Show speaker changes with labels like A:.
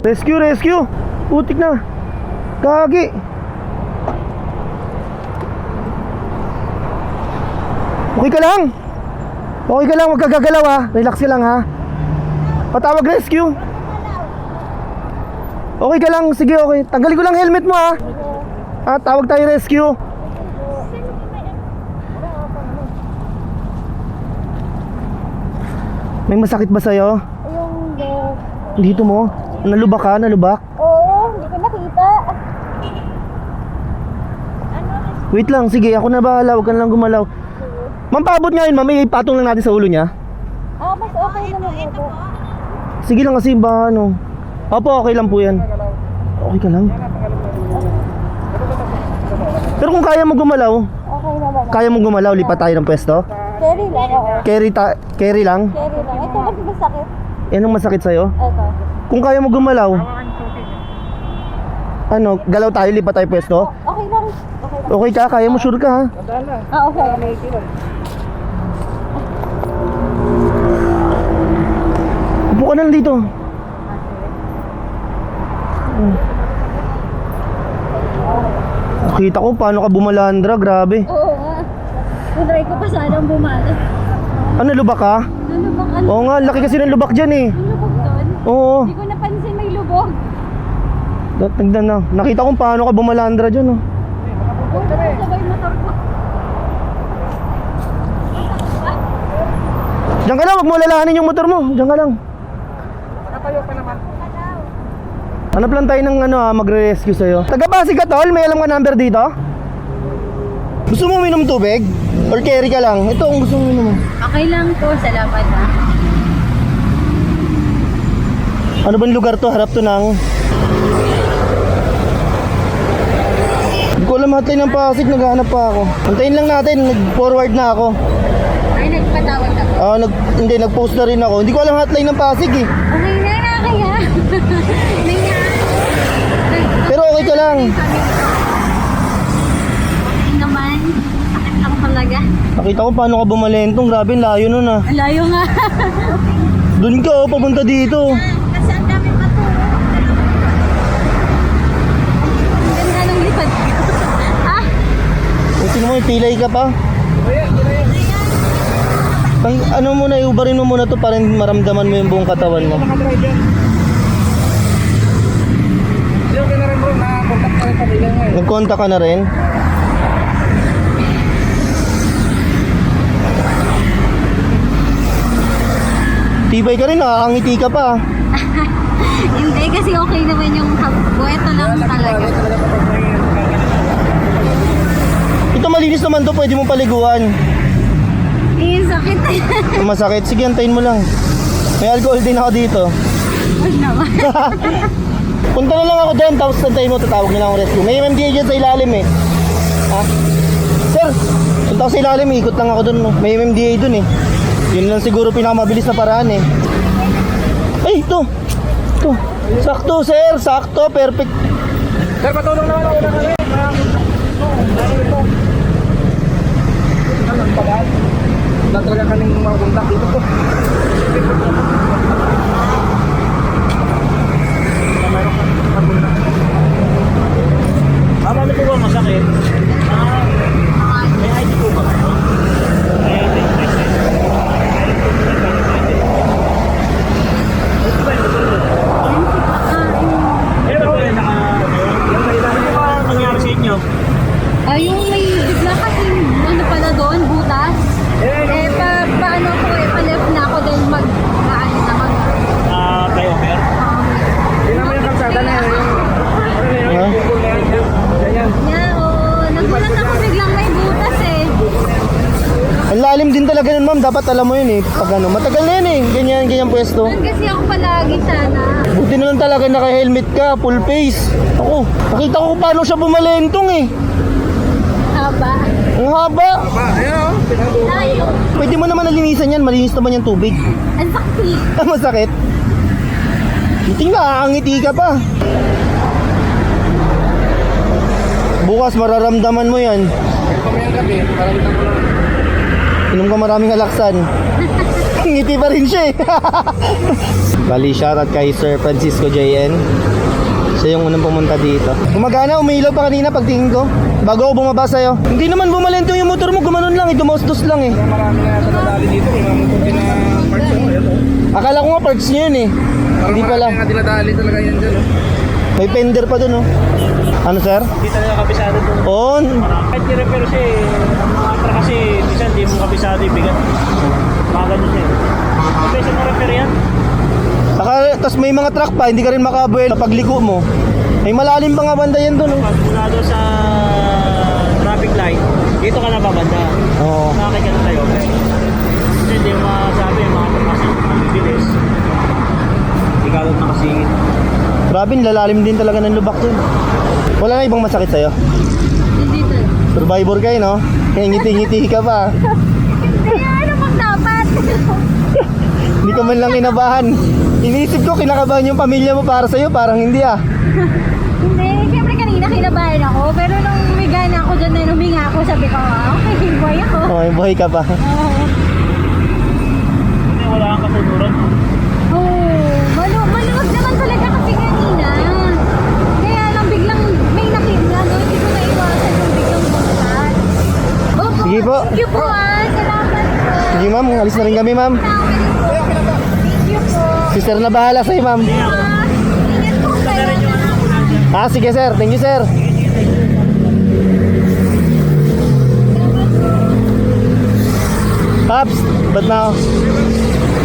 A: Rescue, rescue. Putik na. Gagi. Okay ka lang? Okay ka lang, huwag ka gagalaw ha. Relax ka lang ha. Patawag rescue. Okay ka lang, sige okay. Tanggalin ko lang helmet mo ha. Tawag tayo rescue. May masakit ba sa'yo?
B: Yung
A: Dito mo? Nalubak ka? Nalubak?
B: oo, hindi ko nakita.
A: Wait lang, sige, ako na bahala. Huwag ka na lang gumalaw. Ma'am, paabot nga yun, ma'am. Ipatong lang natin sa ulo niya.
B: Mas okay naman po.
A: Sige lang kasi ba ano. Opo, okay lang po yan. Okay ka lang? Pero kung kaya mo gumalaw,
B: Okay naman.
A: kaya mo gumalaw, lipat tayo ng pwesto.
B: Carry lang, oo.
A: Carry lang?
B: Carry lang. Ito kasi masakit.
A: Yan ang masakit sa'yo?
B: Ito.
A: Kung kaya mo gumalaw, ano, galaw tayo, lipat tayo pwesto.
B: Okay lang. Okay lang.
A: Okay ka? Kaya mo, sure ka ha?
B: Okay.
A: Upo ka na lang dito. Nakita ko paano ka bumalandra, grabe.
B: Oo nga. Try ko pa sanang bumalik.
A: Ano, lubak ka?
B: Lubog ano?
A: Oo nga, laki kasi ng lubak dyan eh.
B: Lubog doon?
A: Oo.
B: Hindi ko napansin may lubog.
A: Tignan na. Nakita ko paano ka bumalandra dyan oh.
B: Sabay motor ko.
A: Diyan ka lang, wag mo lalahanin yung motor mo. Diyan ka lang.
C: Nakatayo pa naman.
A: Hanap lang tayo ng ano magre-rescue sa'yo. Taga-Pasig ka tol, may alam ka number dito? Gusto mo uminom tubig? Or carry ka lang? Ito ang gusto mo uminom mo.
B: Okay lang po, salamat ha.
A: Ano bang lugar to? Harap to ng... Hindi ko alam hotline ng Pasig, naghahanap pa ako. Antayin lang natin, nag-forward na ako.
B: Ay, nagpatawag ako.
A: Hindi, nag-post na rin ako. Hindi ko alam hotline ng Pasig eh.
B: Okay na kaya.
A: Pero okay ka lang.
B: Okay naman. Sakit lang talaga.
A: Nakita ko paano ka bumalentong. Grabe, layo nun ah.
B: Ang layo nga.
A: Doon ka oh, papunta dito.
B: Kasi ang dami maturo. Ang ganda ng lipad ko. Ha?
A: Tingnan mo, pilay ka pa. Ano muna, iubarin mo muna to para maramdaman mo yung buong katawan mo.
C: Okay na rin bro, na-contact na rin pamilya mo eh.
A: Nag-contact ka na rin? Tibay ka rin, nakakangiti ka pa.
B: Hindi kasi okay naman yung buweto lang talaga.
A: Ito malinis naman to, pwede mo paliguan.
B: Eh, sakit.
A: Masakit, sige antayin mo lang. May alcohol din ako dito.
B: Huwag naman.
A: Punta na lang ako doon, tapos antayin mo, tatawag nila akong rescue. May MMDA dyan sa ilalim eh. Ha? Sir, punta ako sa ilalim, ikot lang ako doon. May MMDA doon eh. Yun lang siguro pinakamabilis na paraan eh. Ay, ito. Ito. Sakto sir, sakto, perfect.
C: Sir, patulong naman ako na kami. Wala talaga kaming mga contact dito po.
D: Ano po ba masakit? May ID po ba? May ID. Ito ba yung Pero po yung ano ba nangyari sa inyo?
B: Yung may bigla kasi ano pala doon, butas. Paano ko pa-left na ako dahil mag-ano na
D: Flyover?
C: Hindi naman yung kalsada na yun.
A: Ha?
C: Ganyan.
B: Nagulat ako biglang may butas eh.
A: Ang lalim din talaga nun ma'am, dapat alam mo yun eh. Pag ano, matagal na yun eh, ganyan pwesto.
B: Doon kasi ako palagi sana.
A: Buti na lang talaga naka-helmet ka, full face. Ako, nakita ko kung paano siya bumalentong eh.
B: Haba.
A: Ang haba.
C: Ayan o, pinagulong.
B: Layo.
A: Pwede mo naman nalinisan yan, malinis naman yung tubig.
B: Ang sakit.
A: Masakit. Tingnan, nakakangiti ka pa. Bukas mararamdaman mo yan.
C: Kamayang gabi, maraming ko lang.
A: Inom ka maraming alaksan. Ngiti pa rin siya eh. Bali, shoutout kay Sir Francisco JN. Siya yung unang pumunta dito. Gumagana, umiilaw pa kanina pagtingin ko. Bago ako bumaba sa'yo. Hindi naman bumalento yung motor mo, gumanon lang, dumaustos lang eh.
C: Marami na yata nadali dito. Mga motor din na parts mo. Ayan, oh.
A: Akala ko nga parts niya yun eh.
C: Parang
A: Hindi pala.
C: marami nga dinadali talaga yan dyan. Oh.
A: May fender pa dun oh. Ano sir?
D: Hindi talaga kabisado doon.
A: On.
D: Kahit i-repair siya eh, ang mga truck kasi, minsan di mo kabisado yung bigat. Mga ganun siya. Kasi na repair yan.
A: Tapos may mga truck pa, hindi ka rin makabuel pag liko mo. May malalim pa nga banda yan dun oh.
D: Pag mula doon sa traffic light, dito ka na babanda.
A: Oo.
D: Nakakit ka na tayo. Kasi hindi mo masabi yung mga truck kasi mabibilis. Hindi ka doon nakasingit.
A: Grabe, lalalim din talaga ng lubak dun. Wala na ibang masakit sa'yo?
B: Hindi to.
A: Survivor kayo no? Kaya ngiti-ngiti ka pa.
B: Kaya ano pang dapat?
A: Hindi ka man lang kinabahan. Iniisip ko kinakabahan yung pamilya mo para sa'yo, parang hindi ah.
B: Hindi, siyempre kanina kinabahan ako. Pero nung may gana ako dyan na huminga ako, sabi ko, okay, boy ako.
A: Oh, may buhay ka pa.
D: Hindi, wala kang katuturan.
B: Maluwag naman talaga kasi kanina. Kaya lang biglang may nakita, no? Hindi ko maiwasan yung biglang bumagsak. Opo,
A: Sige po.
B: thank you po salamat po.
A: Sige ma'am, alis na rin kami ma'am.
B: Thank you po.
A: Si sir na bahala sa'yo ma'am.
B: Ingat po kayo.
A: Ah, sige sir, thank you sir. Paps, ba't na ako?